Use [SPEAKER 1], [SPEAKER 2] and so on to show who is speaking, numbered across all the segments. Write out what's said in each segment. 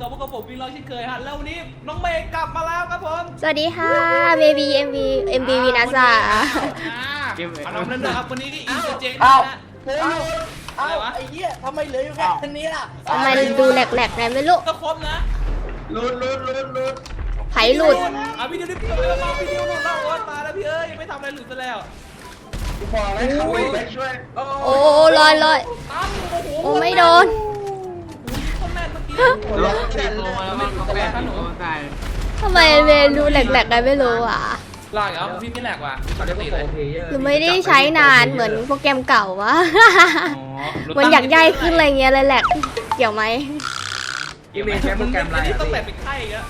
[SPEAKER 1] กับพวกผมวิ่งรอเช่นเคยฮะแล้ววันนี้น้องเมย์กลับมาแล้วครับผม
[SPEAKER 2] สวัสดีค่ะเบบีMV วีนาซา
[SPEAKER 1] เอาน้องนั่นนะครับวันนี้ที่อินเตอร์เจน
[SPEAKER 3] เอ้า
[SPEAKER 1] นะ
[SPEAKER 3] เฮ้ยไอ้เหี้ยทำไมเหลืออยู่แค่นี้ล่ะ
[SPEAKER 2] ทำไมดูแหลกๆไงไม่รู้
[SPEAKER 1] ก็ครบนะ
[SPEAKER 3] ลุด
[SPEAKER 2] ไผหลุด
[SPEAKER 1] อ่ะพี่ดิวดิพี่ดิวมาพี่ดิวหลุดแล้วโอ๊ยมาแล้วพี่เอ้ยยังไม่ทำอะไรหลุดซะแล้ว
[SPEAKER 3] กูบอกเลยครับไปช่วย
[SPEAKER 2] โอ้ลอย
[SPEAKER 1] ตั้งโอ้โห
[SPEAKER 2] โอ้ไม่โดน
[SPEAKER 1] คนแม่นเมื่อกี้
[SPEAKER 3] รถเสร็จแล้ว
[SPEAKER 1] ไม่ถูกแต่ขนม
[SPEAKER 2] ทำไมเมย์ดูแหลกๆไงไม่รู้อ่ะ
[SPEAKER 1] ลากเหรอพี่ไม่แหลกว่ะปกติเลย
[SPEAKER 2] หรือไม่ได้ใช้นานเหมือนโปรแกรมเก่าวะเหมือนอยากย่ายขึ้นอะไรเงี้ยเลยแหลกเกี่ยวไหม
[SPEAKER 3] พี่เมย์ใช้โปรแกรมอะไร
[SPEAKER 1] นี่ต้องแหลกเป็นไข้อีกอะ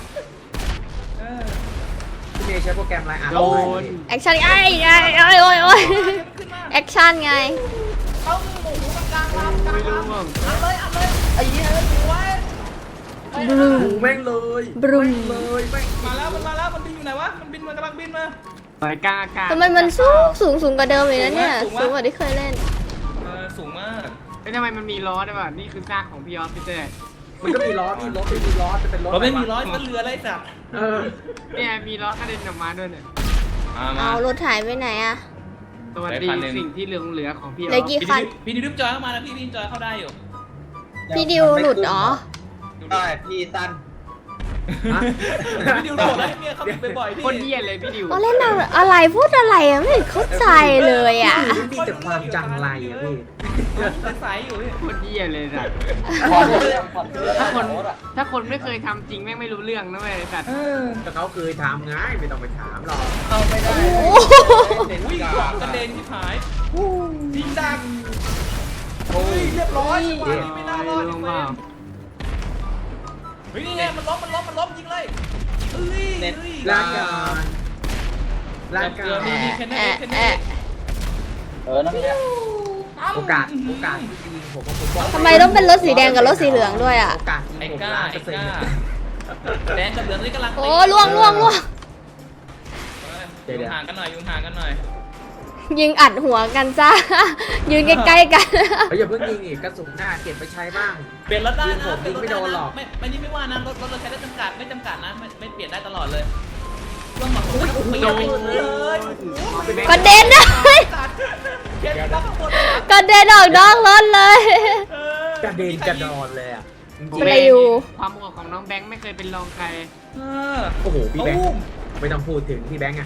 [SPEAKER 3] พี่เมย์ใช้โปรแกรมอะไรอ่ะโดน
[SPEAKER 2] แอคชั่นโอ้ยแอคชั่นไง
[SPEAKER 1] เอาหมูกลางลำกลางลำอัดเลยไอ้เหี้ยไว้
[SPEAKER 2] บรูม
[SPEAKER 3] แม่งเลย
[SPEAKER 2] บรูม
[SPEAKER 3] เลยแม่ง
[SPEAKER 1] มาแล้วมันบินอยู่ไหนวะมันบินมากำลังบินมา
[SPEAKER 4] สายกล้ากล้า
[SPEAKER 2] ทำไมมันสูงกว่าเดิมเลยนะเนี่ยสูงกว่าที่เคยเล่น
[SPEAKER 1] สูงมาก
[SPEAKER 4] เอ้ยทำไมมันมีล้อด้วยวะนี่คือซากของพี่ออฟพี่เต้
[SPEAKER 3] มันก็มีล้อพี่รถไม่มีล้อจะเป็นรถ
[SPEAKER 1] เราไม่มีร้อยมันเรืออะไรสัตว์
[SPEAKER 4] เนี่ยมีล้อกระเด็นออกมาด้วยเนี่ย
[SPEAKER 2] เอารถถ่ายไปไหนอะ
[SPEAKER 4] สวัสดีสิ่งที่เหลือของพี่อ
[SPEAKER 2] เหลื
[SPEAKER 4] อ
[SPEAKER 2] อ
[SPEAKER 4] ฟ
[SPEAKER 2] กี่คัน
[SPEAKER 1] พี่ดิวจอยเข้ามานะพี่จอยเข้าได้อยู่
[SPEAKER 2] พี่ดิวหลุดอ๋อ
[SPEAKER 3] ได้พี่สั้น
[SPEAKER 1] พี่ดิวโดดแล้วให้เมียเขาบินบ่อยๆพี่
[SPEAKER 4] คนเยี่ยเลยพี่ดิว
[SPEAKER 2] ก็เล่นอะไรพูดอะไรอะไม่เข้าใจเลยอะ
[SPEAKER 3] มีแต่ความจังไรอ่ะพี่
[SPEAKER 1] ใสอยู่พี่
[SPEAKER 4] คนเยี่ยเลยสัตว์
[SPEAKER 3] ผ่อนเรื่อง
[SPEAKER 4] ถ้าคนไม่เคยทำจริงแม่งไม่รู้เรื่องนะเว้ยสัตว์
[SPEAKER 3] แต่เขาเคยทำไงไม่ต้องไปถามหรอก
[SPEAKER 1] เอาไปได้
[SPEAKER 2] โอ้
[SPEAKER 1] วิ่งขวางกระเด็นที่หายยิงดังโอ้ยเรียบร้อยจังหวะนี้ไม่น่ารอด
[SPEAKER 4] ล
[SPEAKER 1] จริ
[SPEAKER 4] ง
[SPEAKER 1] ง
[SPEAKER 4] มา
[SPEAKER 1] เฮ้ยนี่ไงมันล้มยิงเลยเฮ้ย
[SPEAKER 3] ลากการลากการ
[SPEAKER 1] มีแค่นี้
[SPEAKER 2] แอะ
[SPEAKER 1] แค่
[SPEAKER 2] แอะ
[SPEAKER 1] นี้
[SPEAKER 3] นั่นแหละโอกาสที่ยิงผมผมบอก
[SPEAKER 2] ทำไมต้องเป็นรถสีแดงกับรถสีเหลืองด้วยอะ
[SPEAKER 3] โอกาสยิง
[SPEAKER 1] ไอ้
[SPEAKER 3] ผม
[SPEAKER 1] ก้า
[SPEAKER 3] ล้าน
[SPEAKER 1] ไอ้
[SPEAKER 3] เปอร์เซ็น
[SPEAKER 1] ก้า
[SPEAKER 3] ต์
[SPEAKER 1] แดงกับเหลืองนี่กำลัง
[SPEAKER 2] โอ้ล่วง
[SPEAKER 1] อยู่ห่างกันหน่อย
[SPEAKER 2] ยิงอัดหัวกันจ้า ยืนใกล้ๆกัน
[SPEAKER 3] อย่าเพิ่งยิงอีกกระสุนหน้าเก็บไปใช้บ้าง
[SPEAKER 1] เปลี่ยนรถได้นะ
[SPEAKER 3] ไม่โดนหรอก
[SPEAKER 1] ไม่นี่ไม่ว่านะรถเราใช้ได้จำกัดไม่จำกัดนะไม่เปลี่ยนได้ตลอดเลยช่วงหมดผมไม่ต้องไปเลย
[SPEAKER 2] กระเด็นเลย
[SPEAKER 1] เขียนตั้งข้างบน
[SPEAKER 2] กระเด็นออกนอกรถเลย
[SPEAKER 3] กระเด็นกระดอนเลยอ่ะ
[SPEAKER 2] ปลิว
[SPEAKER 4] ความโหดของน้องแบงค์ไม่เคยเป็นรองใคร
[SPEAKER 3] โอ้โหพี่แบงค์ไม่ต้องพูดถึงพี่แบงค์อะ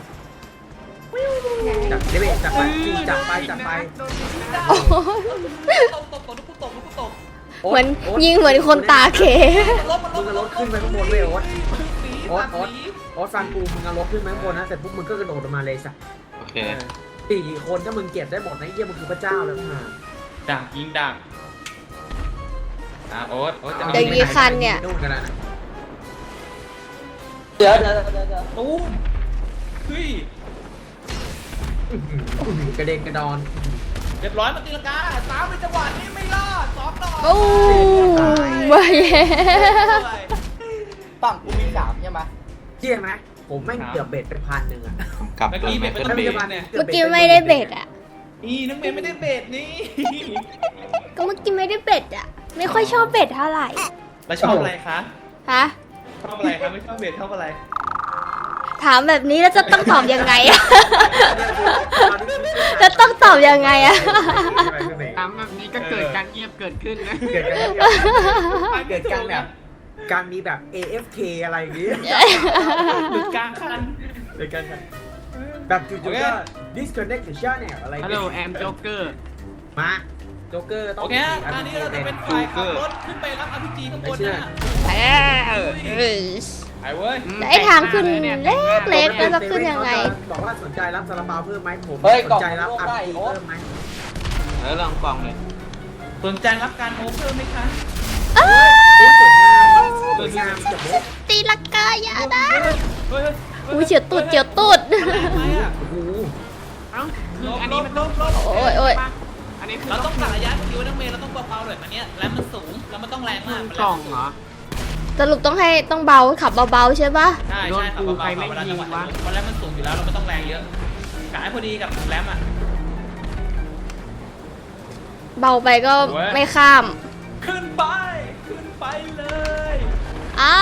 [SPEAKER 3] จับได้ไหมจับไปจับไป
[SPEAKER 2] โอ้โห
[SPEAKER 1] ตก
[SPEAKER 2] เหมือนยิงเหมือนคนตาเข
[SPEAKER 3] มึงเอารถขึ้นไปข้างบนเว้ยโอ๊ตฟังกูมึงเอารถขึ้นไปข้างบนนะแต่พวกมึงก็กระโดดลงมาเลยสัก
[SPEAKER 1] โอเค
[SPEAKER 3] 4 คนถ้ามึงเก็บได้หมดนะเยี่ยมึงคือพระเจ้าแล้วนะ
[SPEAKER 1] ดักยิงดักโอ๊ตจะ
[SPEAKER 2] เดี๋ยวกี่คันเนี่ย
[SPEAKER 3] นู่นกันนะ
[SPEAKER 1] เดี๋ยวตุ้มเฮ้ย
[SPEAKER 3] กระเด็นกระดอน
[SPEAKER 1] เรียบร้อยมาตีลังกาตามในจังหวะนี้ไม่รอด2 ดอก
[SPEAKER 2] โอ้ไม่เย่
[SPEAKER 5] ฝั่งกูมี3ใช่ไหม
[SPEAKER 3] เชื่อไหมผมแม่งเกือบเบ็ดไป1,000อ่ะ
[SPEAKER 1] เมื่อกี้เบ็ดเป็น
[SPEAKER 3] ถ้า
[SPEAKER 1] เบ็
[SPEAKER 3] มี
[SPEAKER 1] ด
[SPEAKER 3] จะมา
[SPEAKER 1] เนี่ย
[SPEAKER 2] เมื่อกี้ไม่ได้เบ็ดอ่ะ
[SPEAKER 1] นี่น้องเมย์ไม่ได้เบ็ดนี่
[SPEAKER 2] ก็เมื่อกี้ไม่ได้เบ็ดอ่ะ ไม่ค่อยชอบเบ็ดเท่าไหร่
[SPEAKER 1] แล้วชอบอะไรคะ
[SPEAKER 2] ฮะ
[SPEAKER 1] ชอบอะไรคะไม่ชอบเบ็ดชอบอะไร
[SPEAKER 2] ถามแบบนี้แล้วจะต้องตอบยังไงอะ จะต้องตอบยังไงอะ
[SPEAKER 4] ตามแบบนี้ก็เกิดการเงียบเกิดขึ้นนะ
[SPEAKER 3] เกิดการแบบการมีแบบ AFK อะไรอย่างงี้
[SPEAKER 1] หลุดกลางคัน
[SPEAKER 3] เกิดการแบบจู่ๆก็ disconnect the channel อะไร
[SPEAKER 4] ฮัลโหลแอมโจ๊กเกอร์
[SPEAKER 3] มาโจ๊กเกอร์ต้อง
[SPEAKER 1] โอเคฮะตอนนี้เราจะเป็นฝ่ายขับรถขึ้นไปรับ RPG ข้างบนนะฮะไอ้เว้ย
[SPEAKER 2] แต่ไอ้ทางขึ้นเล็กๆแล้วจะขึ้นยังไง
[SPEAKER 3] บอกว่าสนใจรับซาลาเปาเพิ่มไหมผม
[SPEAKER 5] เฮ้ย
[SPEAKER 3] สนใจรับ
[SPEAKER 5] กล่อง
[SPEAKER 3] RPG
[SPEAKER 5] โอ้
[SPEAKER 3] เพิ่มไหม
[SPEAKER 4] แล้วลองกล่องเลย
[SPEAKER 1] สนใจรับการโอเพิ่มไหมคะ
[SPEAKER 2] อ้า
[SPEAKER 3] สวยงามสวยงามจับมุก
[SPEAKER 2] ตีลังกาอย่านะ
[SPEAKER 1] เฮ้ย
[SPEAKER 2] อุ้ยเฉียวตูดเฉียวตูด
[SPEAKER 1] อะไรอ่ะ
[SPEAKER 3] โอ้โห
[SPEAKER 4] เอ้าคืออันนี้มันต้อง
[SPEAKER 2] โอ้ยโอ้ย
[SPEAKER 4] อันนี้คือ
[SPEAKER 1] เราต้องตัดระยะคิวน้องเมย์เราต้องเบาๆหน่อยอันเนี้ยแล้วมันสูงแล้วมันต้องแรงมาก
[SPEAKER 4] กล่องเหรอ
[SPEAKER 2] สรุปต้องเบาขับเบาๆใช่ปะ
[SPEAKER 1] ใช่ขับเบาๆเวลาจังหวะมันแล้วมันสูงอยู่แล้วเราไม่ต้องแรงเยอะกะให้พอดีกับแรมอ่ะ
[SPEAKER 2] เบาไปก็ไม่ข้าม
[SPEAKER 1] ขึ้นไปขึ้นไปเลย
[SPEAKER 2] อ้า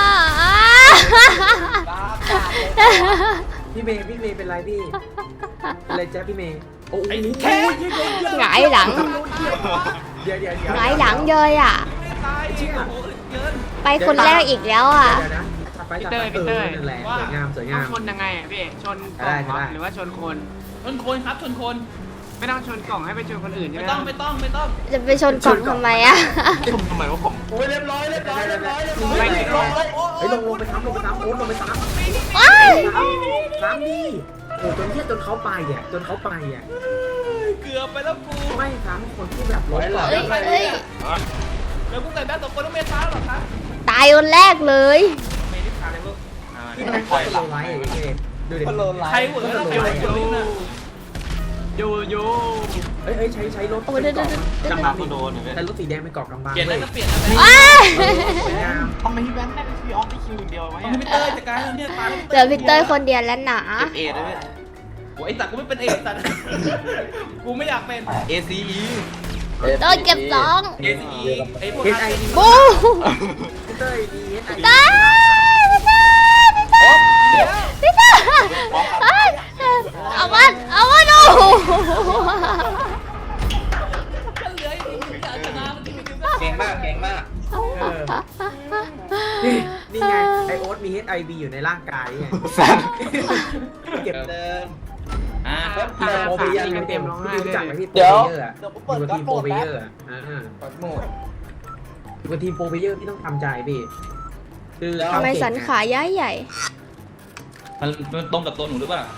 [SPEAKER 5] บ้าจัดเลย
[SPEAKER 3] พี่เมย์เป็นไรพี่เป็นไรแจ๊พี่เมย์โอ้ย
[SPEAKER 1] แค่
[SPEAKER 2] หงายหลัง
[SPEAKER 3] เดี๋ยว
[SPEAKER 2] หงายหลังเลยอ่ะ
[SPEAKER 1] ไม่ตายโอ้โหเกิน
[SPEAKER 2] ไปคนแรกอีกแล้วอ่ะ
[SPEAKER 3] เดี๋ยวนะจัดไปนั่นแหละสวยงามสวย
[SPEAKER 4] ต้อง
[SPEAKER 3] งาม
[SPEAKER 4] ชนยังไงอ่ะพี่ชนกล่องเหรอหรือว่าชนคน
[SPEAKER 1] ชนคนครับชนคน
[SPEAKER 4] ไม่ต้องชนกล่องให้ไปชนคนอื่นใช่ไห
[SPEAKER 1] ไม่
[SPEAKER 4] ม
[SPEAKER 1] ต้องไม่ต้องไม่ต้อง
[SPEAKER 2] จะไปชนกล่องทำไมอ่ะ
[SPEAKER 5] โอ้ยเรียบร้อย
[SPEAKER 3] เฮ้ยลงไปซ้ำโอ๊ตลงไปซ้ำ
[SPEAKER 2] ว้าย
[SPEAKER 3] ซ้ำดิโอ้จนเขาไปอ่ะ
[SPEAKER 1] เกือบไปแล้วกู
[SPEAKER 3] ไม่ซ้ำคนที่แบบรถก่อน
[SPEAKER 2] เฮ้ยเฮ้ย
[SPEAKER 1] แล้วกูใส่แม่ตัวคนต้องเมตาหรอครับ
[SPEAKER 2] ตายคนแรกเลย
[SPEAKER 1] ไม่ได้พาเลยลูก
[SPEAKER 3] ที่มันคอยโลไลท์อย่างเงี้ยดูดิ
[SPEAKER 5] คนโลนไล
[SPEAKER 1] ใคร
[SPEAKER 5] น์
[SPEAKER 1] เหวอแล้วใครเหวอลิ้นอ่ะ
[SPEAKER 4] โย
[SPEAKER 3] เฮ้ยใช้รถ
[SPEAKER 2] โอ้เดี๋ยว
[SPEAKER 3] กำบังโดนใช้รถสีแดงไปเกาะกำบัง
[SPEAKER 1] เปลี่ยนแล้วก็เปลี่ยน
[SPEAKER 2] ว้าย
[SPEAKER 3] สวยงาม
[SPEAKER 5] ทำไมพี่แบงค์ได้พี่ออฟได้คิวอย่างเดียววะ
[SPEAKER 1] ต้องพี่เต้ยจัดการเนี่ยตาย
[SPEAKER 2] เจอพี่เต้ยคนเดียวแล้วหนา
[SPEAKER 5] เอได้ไหม
[SPEAKER 1] โอ้ยไอ้สัตว์กูไม่เป็นเอสัตว์กูไม่อยากเป็น
[SPEAKER 5] ACE
[SPEAKER 2] เต้ยเก็บสอง
[SPEAKER 1] ACE ไอ้พวก
[SPEAKER 3] เฮดไอดี
[SPEAKER 2] บู
[SPEAKER 3] เต้ยดีเฮดไอ
[SPEAKER 2] ตายพี่เต้ยพี่เต้ยเอามันดู
[SPEAKER 1] เหลืออีกชนะมันที่มี
[SPEAKER 5] เก่งมาก
[SPEAKER 3] นี่ไงไอโอ๊ตมี HIV อยู่ในร่างกายไงเก็บ
[SPEAKER 5] เดิม
[SPEAKER 3] พี่โปรเบเยอร์ไม่เต็มพี่รู้จักไหมพี่โปร
[SPEAKER 5] เดี๋ยว
[SPEAKER 3] เบเยอร์อ่ะอยู่กับทีมโปรเบเยอร์อ่ะอยู่กับทีมโปรเบเยอร์พี่ต้องทำใจพี่คือ
[SPEAKER 2] ทำไมสันขาย้ายใหญ่
[SPEAKER 1] มันตรงกับตัวหนูหรือเปล่า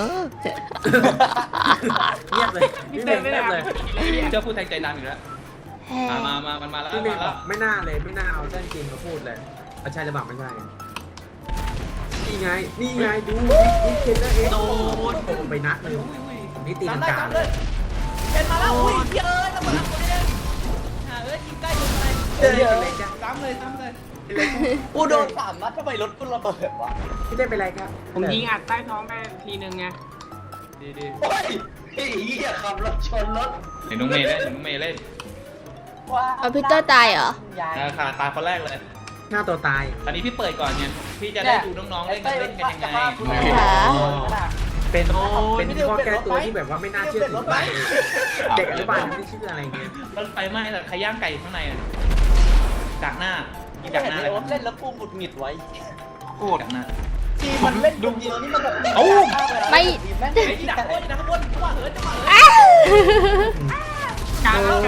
[SPEAKER 3] เงียบเลยพี่เมย์เงียบเลย
[SPEAKER 1] เจ้าพูดแทงใจดำอีกแล้วมามันมาแล้ว
[SPEAKER 3] พี่เมย์
[SPEAKER 1] มา
[SPEAKER 3] บ
[SPEAKER 1] แล้
[SPEAKER 3] อ
[SPEAKER 1] ว
[SPEAKER 3] กไม่น่าเอาเรื่องจริงมาพูดเลยเอาใช่หรือเปล่าไม่ใช่นี่ไงดูนี่เคนเนอร์เอ็กซ์โดนไปนัดเลยนี่ตีลังกา
[SPEAKER 1] เลยเป็นมาแล้วอุ้ยเยอะแล้วมาแล้วคนนี้ยิงใกล้ยิงไป
[SPEAKER 3] เจออะไรจ้ะ
[SPEAKER 1] ซ้ำเลย
[SPEAKER 5] กูโดน3 นัดทำไมรถกูระเบิดวะ
[SPEAKER 3] พี่เต้เป็นไรครับ
[SPEAKER 4] ผมยิงอัดใต้ท้องไปทีนึงไง
[SPEAKER 1] ดี
[SPEAKER 5] โอ้ยไอ้เหี้ยขับรถชนรถ
[SPEAKER 1] เห็นน้องเมย์เล่น
[SPEAKER 2] เอาพี่เต้ยตายเหรอ
[SPEAKER 1] ขาตาคนแรกเลย
[SPEAKER 3] หน้าตัวตาย
[SPEAKER 1] อันนี้พี่เปิดก่อนเนี่ยพี่จะได้ดูน้องๆเล่นกันยังไง
[SPEAKER 3] เป็นข้อแก้ตัวที่แบบว่าไม่น่าเชื่อถือเด็กอนุบาลไม่เชื่ออะไรเงี้ย
[SPEAKER 1] รถไฟไหม้แต่ใครย่างไก่ข้างในจากหน้ายิง
[SPEAKER 5] จา
[SPEAKER 1] จาก ก
[SPEAKER 5] ห
[SPEAKER 1] ห
[SPEAKER 5] น้า
[SPEAKER 1] น้า
[SPEAKER 5] เลยเล่นแล้วกูหงุดหงิดไว้
[SPEAKER 1] โคตรจากหน้า
[SPEAKER 5] ทีมันเล่นดูเดียวนี่มันแบบ
[SPEAKER 2] ไม่
[SPEAKER 5] แม่ง
[SPEAKER 1] ไอ้ที่ดักบนจังหวะเหินจังหวะ
[SPEAKER 2] อ้าว
[SPEAKER 4] กลางแล้ว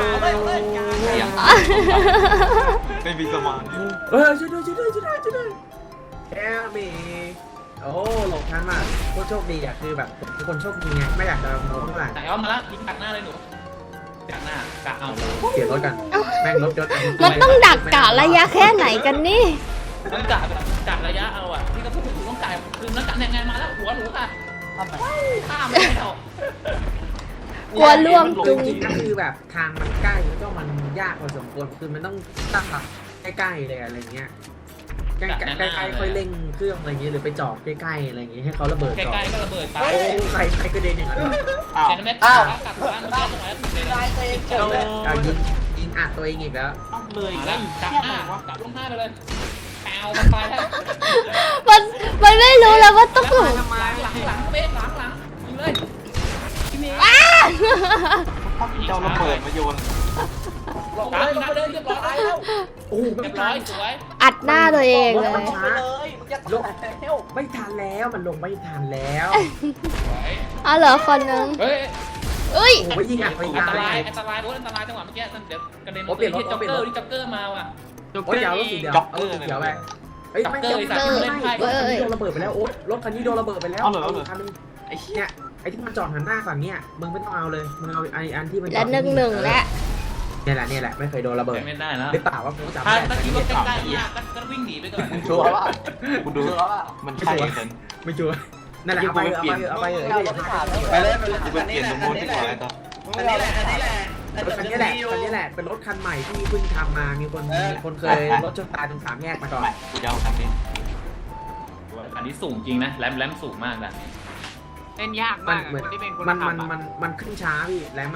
[SPEAKER 5] ไม่มีสมาธิ
[SPEAKER 3] ช่วยด้วยแค่มีโอ้หลบทันมากโคตรโชคดีอ่ะคือแบบเป็นคนโชคดีไงไม่อยากจะโน้มเท่าไหร่
[SPEAKER 1] ไหนเอามาแล้วยิงจากหน้าเลยหนูจากหน้ากะเอา
[SPEAKER 3] เปลี่ยนรถกันแม่งรถยศ
[SPEAKER 2] มันต้องดักกะระยะแค่ไหนกันนี่
[SPEAKER 1] ต้องกะแบบกะระยะเอาอ่ะที่ก็พูดถึงต้องกะคือนักกะยังไงมาแล้วหัวหนูค่ะ
[SPEAKER 5] ทำไม
[SPEAKER 1] ข้ามไม่ได้หรอก
[SPEAKER 2] กลัวล่วง
[SPEAKER 3] จ
[SPEAKER 2] จุง
[SPEAKER 3] ริงๆก็คือแบบทางมันใกล้แล้วก็มันยากพอสมควรคือมันต้องตั้งหลักใกล้ๆเลยอะไรเงี้ยใกล้ๆค่อยเร่งเครื่องอะไรเงี้ยหรือไปจอดใกล้ๆอะไรเงี้ยให้เขาระเบิด
[SPEAKER 1] ใก
[SPEAKER 3] ก่อน
[SPEAKER 1] ล้ๆก็ระเบิดไป
[SPEAKER 3] โอ้ใครกระเด็นอย่างนั้น
[SPEAKER 1] แค่นั้นแม่กลับบ้านมาตรงไหนถึงเลย
[SPEAKER 5] ตายตัวเองเฉยเลย
[SPEAKER 3] ยิงอัดตัวเองอีกแล้ว
[SPEAKER 4] เลย
[SPEAKER 1] แล้วกลับหน้ากลับลงหน้าไปเลยแปวมันไปแล้ว
[SPEAKER 2] มันไม่รู้แล้วว่าต้อง
[SPEAKER 4] ทำไม
[SPEAKER 1] หลังเบ๊หลังยิงเลยพี่เมย์
[SPEAKER 2] อ้า
[SPEAKER 5] เจ้าระเบิดมาโยน
[SPEAKER 1] ลงเลยเรียบร้อยแล้ว
[SPEAKER 3] โอ้
[SPEAKER 1] เรียบร้อยสวย
[SPEAKER 2] อัดหน้าตัวเองเลย
[SPEAKER 5] ไปเลยมึงจะลงแล้ว
[SPEAKER 3] ไม่ทันแล้วมันลงไม่ทันแล้ว
[SPEAKER 2] เอาเหรอคนนึง
[SPEAKER 1] เฮ้ย
[SPEAKER 2] เอ้ย
[SPEAKER 3] โอ้ยยิงอัดไป
[SPEAKER 1] อัน
[SPEAKER 3] ยา
[SPEAKER 1] ต
[SPEAKER 3] ว
[SPEAKER 1] ราย
[SPEAKER 3] เลย
[SPEAKER 1] อันตรายโอ้อันตรายจังหวะเมื่อกี้เดี๋ยวกระเด็น
[SPEAKER 3] โอ้เปลี่ยนรถ
[SPEAKER 1] จ็อกเกอร์ที่จ็อกเกอร์มาว่ะ
[SPEAKER 4] จุก
[SPEAKER 3] โอ้ยยาวรถสีเดียวเอารถสีเขียวไปเฮ้ยไม่ใช่รถคันนี้โดนระเบิดไปแล้วโอ๊ตรถคันนี้โดนระเบิดไปแล้วคันนึงไอ้เนี่ยไอ้ที่มันจอดหันหน้าฝั่งเนี้ยมึงไม่ต้องเอาเลยมึงเอาไอ้อันที่มัน
[SPEAKER 2] และหนึ่งแล้ว
[SPEAKER 3] เนี่ยแหละไม่เคยโดนระเบิด
[SPEAKER 1] ไม่ได้แล้ว
[SPEAKER 3] หรือเปล่าว่ากูจำ
[SPEAKER 1] ถ้า
[SPEAKER 3] ได้
[SPEAKER 1] ตะกี้ว่าใกล้ๆก็วิ่งหนีไปก่อน
[SPEAKER 5] ชัวร์ว่ากูดูแล้วว่ามันใช่กัน
[SPEAKER 3] ไม่ชัวร์นั่นแหละเอาไปไปเลย
[SPEAKER 5] ไปเปลี่ยนตรงนู้นดีกว่าไอ้ต่ออันนี้แหละ
[SPEAKER 3] คันนี้แหละเป็นรถคันใหม่ที่เพิ่งทำมามีคนเคยรถชนตายตรง3 แยกมาก่อน
[SPEAKER 5] กูจะเอาคันนี้
[SPEAKER 1] อันนี้สูงจริงนะแรมสูงมากแบบนี้
[SPEAKER 4] เล่นยาก
[SPEAKER 3] มั
[SPEAKER 4] มาน ก
[SPEAKER 3] เหมือน
[SPEAKER 4] คนที่เป็นคน
[SPEAKER 3] มัน
[SPEAKER 4] ขับ
[SPEAKER 3] ขึ้นช้าพี่แรมอ่ะ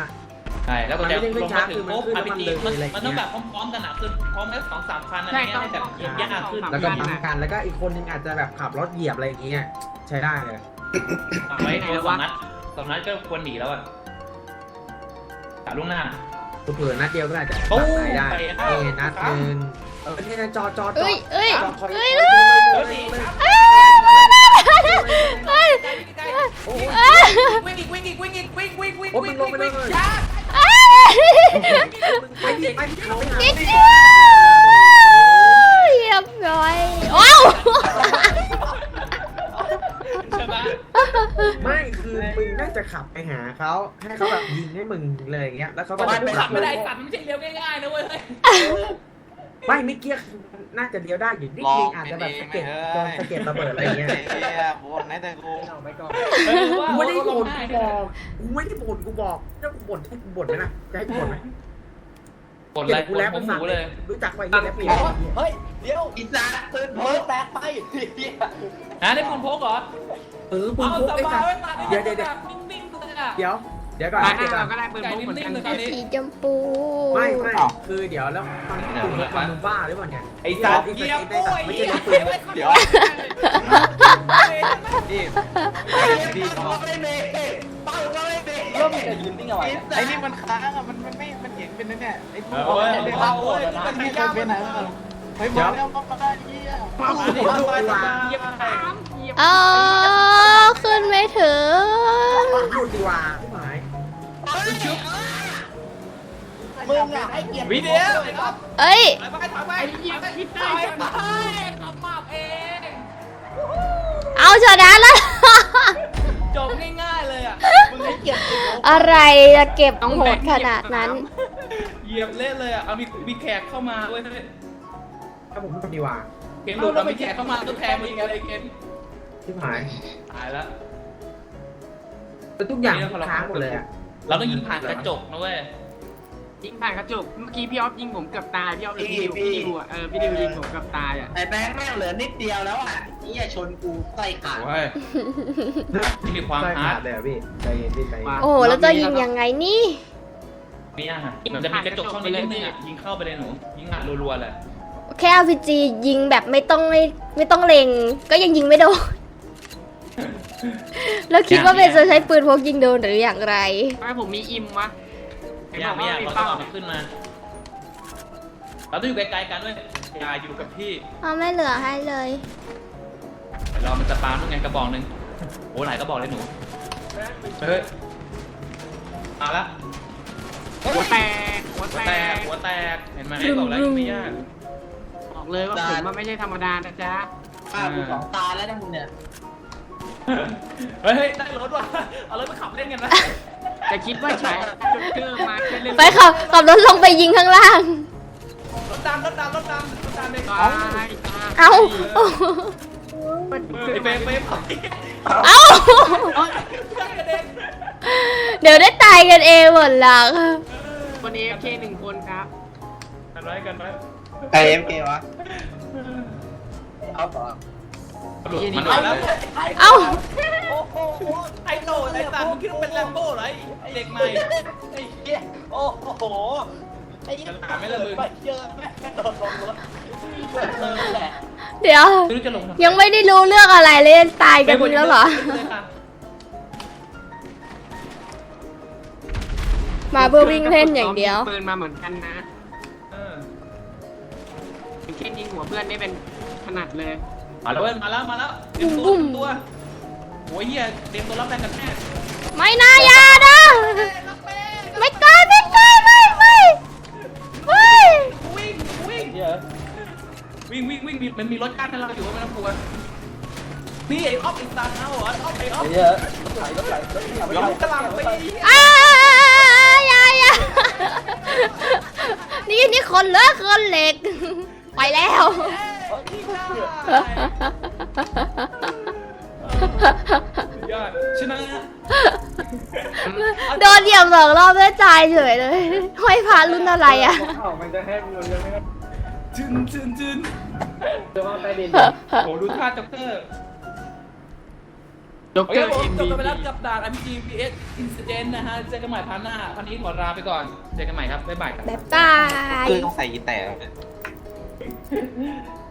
[SPEAKER 1] ใช่แล้วก็
[SPEAKER 3] มัน
[SPEAKER 1] จะ
[SPEAKER 3] ไม่ได้ขึ้
[SPEAKER 1] ล
[SPEAKER 3] น
[SPEAKER 1] ง
[SPEAKER 3] ช้า
[SPEAKER 1] มาถึ
[SPEAKER 3] คื
[SPEAKER 1] ง
[SPEAKER 3] อมัน
[SPEAKER 1] ปุ๊บ
[SPEAKER 3] ขึ้น
[SPEAKER 1] อาร์
[SPEAKER 3] น้ำ
[SPEAKER 1] พี
[SPEAKER 3] มัน
[SPEAKER 1] จี
[SPEAKER 3] เลยอะไร
[SPEAKER 1] มันต้องแบ
[SPEAKER 3] เงี้
[SPEAKER 1] บ
[SPEAKER 3] ย
[SPEAKER 1] พร้อมๆกันอ่ะคือพร้อมแล้ว2-3 คันอะไร
[SPEAKER 4] ใช่
[SPEAKER 1] เงี้ย
[SPEAKER 4] ต้อง
[SPEAKER 1] ให้แบบยิงยากขึ้น
[SPEAKER 3] แล้วก็ปั๊มกันแล้วก็อีกคนนึงอาจจะแบบขับรถเหยียบอะไรอย่างเงี้ยใช้ได้เลย
[SPEAKER 1] ไว้ตัว2 นัดก็ควรหนีแล้วอ่ะกะล่วงหน้า
[SPEAKER 3] เผื่อนัดเดียวก็อาจจะ
[SPEAKER 1] โอ้
[SPEAKER 3] ตัด
[SPEAKER 1] ย
[SPEAKER 3] ได้นี่นัดหนึ่งนี่นะจอ
[SPEAKER 2] เอ้ยเอ้ย
[SPEAKER 3] คอย
[SPEAKER 2] เอ้ย
[SPEAKER 1] เฮ้ย
[SPEAKER 2] เอ้ย
[SPEAKER 1] วิ่งอีกวิ่งอีกวิ่งอีกวิ่งวิ่งวิ่ง
[SPEAKER 3] โอ้มึ
[SPEAKER 1] วิ่
[SPEAKER 3] ง
[SPEAKER 1] ง
[SPEAKER 3] ลงไปเลย
[SPEAKER 1] ช้า
[SPEAKER 3] ไปดิไปดิเข้าไปหา
[SPEAKER 2] นิดเดียวเรียบร้อยว้าว
[SPEAKER 1] ใช่ไหม
[SPEAKER 3] ไม่คือมึงน่าจะขับไปหาเขาให้เขาแบบยิงให้มึงเลยอย่างเงี้ยแล้วเขาก็
[SPEAKER 1] มัน
[SPEAKER 3] จะ
[SPEAKER 1] ขับไม่ได้สัตว์มันไม่ใช่เลี้ยวง่ายๆนะเว้ย
[SPEAKER 3] ไม่เกี้ยน่าจะเลี้ยวได้อยู่นิดนึงอาจจะแบบสะเก็ดโดนสะเก็ดระเบิดอะไรอย่างเงี้ย
[SPEAKER 5] วนนะแต่กู
[SPEAKER 3] กูไม่ได้บ่นกูบอกกูบอกถ้ากูบ่นให้กูบ่นไหมนะจะให้กูบ่นไหม
[SPEAKER 1] กดเลย
[SPEAKER 3] กูแล้ว
[SPEAKER 1] ผมหมูเลย
[SPEAKER 3] รู้จักไว้ยี่แล้วปี
[SPEAKER 5] เฮ้ยเดี๋ยวอีสานตื่นเพิร์แตกไป
[SPEAKER 1] ได้ปืนพกเหรอ
[SPEAKER 3] ปืนพ
[SPEAKER 1] เอา
[SPEAKER 3] ก
[SPEAKER 1] ส
[SPEAKER 3] ไอ้
[SPEAKER 1] บา
[SPEAKER 3] สั
[SPEAKER 1] ย
[SPEAKER 3] ต
[SPEAKER 1] ไว้
[SPEAKER 3] ว์
[SPEAKER 1] ตา
[SPEAKER 3] เดี๋ยว
[SPEAKER 1] นิ่งๆเลยอ่ะ
[SPEAKER 3] เดี๋ยวก่อน
[SPEAKER 4] ตาห
[SPEAKER 3] เดี๋ยวก่
[SPEAKER 4] น้า
[SPEAKER 3] อน
[SPEAKER 4] เราก็ได้ปืนพกเหมือนกัน
[SPEAKER 1] ไก่นิ่มๆเลย
[SPEAKER 2] สีชมพู
[SPEAKER 3] ไม่คือเดี๋ยวแล้วตอนที่คุณเห็นความมึงบ้าหรือเปล่าเนี่ย
[SPEAKER 1] ไอ้สัตว์เกียร์ปุ้ย
[SPEAKER 3] ไม่
[SPEAKER 1] เกี
[SPEAKER 3] ใช่
[SPEAKER 1] ยร์
[SPEAKER 3] ปื
[SPEAKER 1] ปุ้
[SPEAKER 3] น
[SPEAKER 1] ย
[SPEAKER 5] เดี๋ยวนี่เป้าก็ไม่เบรกเป้าก็ไม่เบรกเริ่มจะยืนนิ่งเอาไว้ไอ้นี่มันค้างอ่ะมันไม่มันเห็นเป็นนั่นเนี่ยไอ้พวก
[SPEAKER 1] เว้ย
[SPEAKER 5] มัน
[SPEAKER 1] เอาเว้ยมัน
[SPEAKER 5] ไม่
[SPEAKER 1] ไม่
[SPEAKER 5] เค
[SPEAKER 1] ยาย ก
[SPEAKER 5] เป็นไหนเฮ้ยมาแล้วมาได้ยี่อ่ะ
[SPEAKER 2] อ๋อขึ้นไม่ถึง
[SPEAKER 3] พูดดีกว่าพี่หมาย
[SPEAKER 5] มึงอ่ะให้เกียรติ
[SPEAKER 1] วิดีโอ
[SPEAKER 2] เอ้ย
[SPEAKER 1] ไปถอยไปคิดได้ไปขับมาเอง
[SPEAKER 2] เอาชนะแล้ว
[SPEAKER 1] จบง่ายๆเลยอ่ะ
[SPEAKER 5] มึงให้เกียรติ
[SPEAKER 2] อะไรจะเก็บโหดขนาดนั้น
[SPEAKER 1] เหยียบเล่นเลยอ่ะเอามีแขกเข้ามาเว้ย
[SPEAKER 3] ถ้าผมพูดดีกว่า
[SPEAKER 1] เกมหลุดเอามีแขกเข้ามาต้องแทนมึงอะไรเกม
[SPEAKER 3] พี่หมาย
[SPEAKER 1] ตายแล้ว
[SPEAKER 3] เป็นทุกอย่างค้างหมดเลยอ่ะ
[SPEAKER 1] เราต้องยิงผ่านกระจกนะเว้ย
[SPEAKER 4] ยิงผ่านกระจกเมื่อกี้พี่ออฟยิงผมเกือบตายพี่ออฟหรือพี่ดิวอ่ะพี่ดิวยิงผมเกือบตายอ่ะ
[SPEAKER 5] ไอ้แบงค์แม่งเหลือนิดเดียวแล้วอ่ะนี่ชนกูไส้ขาด
[SPEAKER 1] โอ้ยที่มีความ
[SPEAKER 3] ใช่
[SPEAKER 1] ฮาร์ด
[SPEAKER 3] เลยอ่ะพี่ใจเย็นพี่ใจเย็น
[SPEAKER 2] โอ้โหแล้วจะยิงยังไงนี่
[SPEAKER 1] เนี่ยมันจะมีกระจกช่องนี้นิดนึงอ่ะยิงเข้าไปเลยหนูยิงอัดรัวๆเลย
[SPEAKER 2] แค่ RPG ยิงแบบไม่ต้องเล็ง ก็ยังยิงไม่โดน แล้วคิดว่าเป็นจะใช้ปืนพกยิงโดนหรืออย่างไร
[SPEAKER 4] ทำไมผมมีอิมวะ
[SPEAKER 1] ไม่ยากเราต้องเอามันขึ้นมา เราต้องอยู่ไกลๆกันด้วยอย่าอยู่กับพี่
[SPEAKER 2] เอาไม่เหลือให้เลย
[SPEAKER 1] เรามันจะปาลูกไงกระบอกหนึ่งโอ้หลายกระบอกเลยหนูเฮ้ยเอาละ
[SPEAKER 4] หัวแตกหัว
[SPEAKER 1] หัว
[SPEAKER 4] แต
[SPEAKER 1] แตก
[SPEAKER 4] ก
[SPEAKER 1] หัวแตกเห็นไหมบอกแล้วไม่ยาก
[SPEAKER 4] บอกเลยว่าผมมันไม่ใช่ธรรมดานะจ๊ะ
[SPEAKER 5] ฆ่ากูสองตาแล้วนะมึงเนี่ย
[SPEAKER 1] เฮ้ยได้รถว่ะเอารถมาขับเล่นกันนะ
[SPEAKER 4] แต่คิดว่าใช้จุดเกอร์มาแค่เล่น
[SPEAKER 2] ไปขับรถลงไปยิงข้างล่าง
[SPEAKER 1] รถดำเลย
[SPEAKER 4] ตาย
[SPEAKER 2] เอา
[SPEAKER 1] ไอ้เฟรม
[SPEAKER 2] เอา เดี๋ยวได้ตายกันเองหมดหลัง
[SPEAKER 4] คนเอฟเคหนึ่งคนครับ
[SPEAKER 1] กันไว้กันไว้
[SPEAKER 5] ไอ้เอ็มเกวะเอาต่อ
[SPEAKER 1] หลุดมันหลุดแล้ว
[SPEAKER 2] เอา
[SPEAKER 1] ไอ้โหนไอ้สัตว์มึงคิดว่าเป็นแลมโบ้เหรอไอ้เด็กใหม่ไอ้
[SPEAKER 5] เหี้ยโอ้โหไอ้
[SPEAKER 1] จะหาไม่ละมึง
[SPEAKER 5] ไปเจอแม่โดนลงรถแหละ
[SPEAKER 2] เดี๋ยว
[SPEAKER 1] ไม่รู้จะลงทำไม
[SPEAKER 2] ยังไม่ได้รู้เรื่องอะไรเลยตายกันแล้วเหรอ มาเพื่อวิ่งเล่นอย่างเดียว
[SPEAKER 4] ปืนมาเหมือนกันนะแค่ยิงหัวเพื่อนนี่เป็นถนัดเลย
[SPEAKER 1] มาแล้วเตรียมตัวโอ้ยเฮียเตรียมตัวรับแรงกันแน่
[SPEAKER 2] ไม่น่ายานะ ไม่ตายไม่
[SPEAKER 1] วิ่งมันมีรถกั้นให้เราอยู่ไม่ต้องกลัวนี่ไอ้ออฟไอ้ซานเอาเหรอไอ้ออฟ
[SPEAKER 5] เยอะรถไหล
[SPEAKER 1] ยกกระลำไป
[SPEAKER 2] ยานี่คนเหล็ก ไปแล้ว
[SPEAKER 1] ยอดชนะ
[SPEAKER 2] โดนเหยียบ2 รอบได้ตายเฉยเลยห้อยพารุ่นอะไรอ่ะ
[SPEAKER 3] มันจะให้มันจะไม่
[SPEAKER 1] จึน
[SPEAKER 3] จะว่าใต้ดิน
[SPEAKER 1] โหดูท่าจ็อกเกอร์
[SPEAKER 4] โดจ็อก
[SPEAKER 1] โอ
[SPEAKER 4] เก
[SPEAKER 1] เค
[SPEAKER 4] อร์
[SPEAKER 1] ผมจบ
[SPEAKER 4] MVP
[SPEAKER 1] กันไปแล้วกับด่าน RPG vs Incident นะฮะเจอกันใหม่พาร์ทหน้าพันนี้ขอลาไปก่อนเจอกันใหม่ครับบ๊ายบายครับ
[SPEAKER 2] บ๊ายบาย
[SPEAKER 5] เกอร์ต้องใส่กีแต่